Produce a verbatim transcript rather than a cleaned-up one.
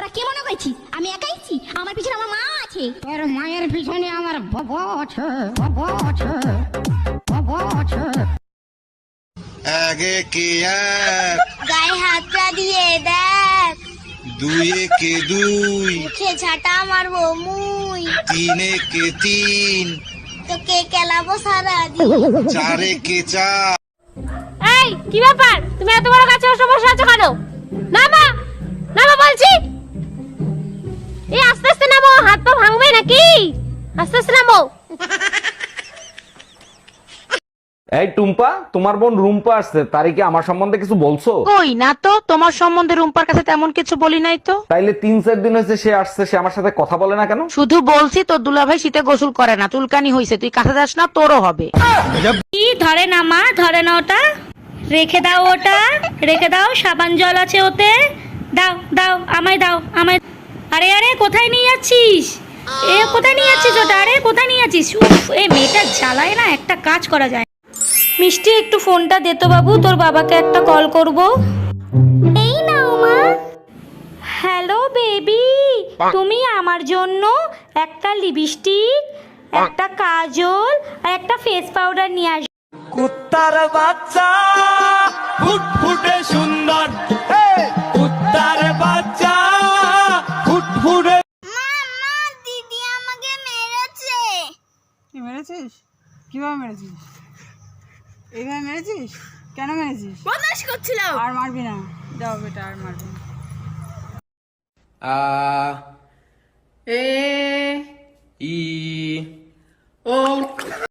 তোরা কি মনে করছিস আমি একাইছি? আমার পিছনে আমার মা আছে। তোর মায়ের পিছনে আমার বাবা আছে, বাবা আছে, বাবা আছে। এক একে এক, গায়ে হাতটা দিয়ে দেখ, দুই একে দুই, মুখে ঝাঁটা মারবো মুই, তিন একে তিন, তোকে কেলাবো সারা দিন। চার একে চার। এই কি ব্যাপার, তুমি এত বড় গাছে বসে বসে আছো কেন? নামা নামা বলছি। এই আস্তে আস্তে নামো, হাত পা ভাঙবে নাকি? আস্তে আস্তে নামো। এই টুম্পা, তোমার বোন রুম্পা আসছে, তারই কি আমার সম্বন্ধে কিছু বলছো? কই না তো, তোমার সম্বন্ধে রুম্পার কাছে তেমন কিছু বলি নাই তো। তাইলে তিন চার দিন হয়েছে সে আসছে, সে আমার সাথে কথা বলে না কেন? শুধু বলছি তোর দুলাভাই শীতে গোসল করে না, চুলকানি হইছে, তুই কাছে যাস না, তোরও হবে। কি ধরে না মা, ধরে না ওটা, রেখে দাও ওটা, রেখে দাও, সাবান জল আছে ওতে, দাও দাও, আমায় দাও, আমায়। আরে আরে কোথায় নিয়ে যাচ্ছিস? এ কোথায় নিয়ে যাচ্ছিস ওটা? আরে কোথায় নিয়ে যাচ্ছিস? উফ, এই মেয়েটা জ্বালায় না, একটা কাজ করা যায়। মিষ্টি একটু ফোনটা দে তো বাবু, তোর বাবাকে একটা কল করব। এই নাও মা। হ্যালো বেবি, তুমি আমার জন্য একটা লিপস্টিক, একটা কাজল আর একটা ফেস পাউডার নিয়ে আস। কুত্তার বাচ্চা ফুটফুটে সুন্দর, কুত্তার বাচ্চা ফুটফুটে। মা, দিদি আমাকে মেরেছে। কি মেরেছিস? কিভাবে মেরেছিস? এইভাবে মেরেছিস? কেন মেরেছিস? বদমাশ করছিল। আর মারবি না, যাও বেটা, আর মারবি না। আ এ ই ও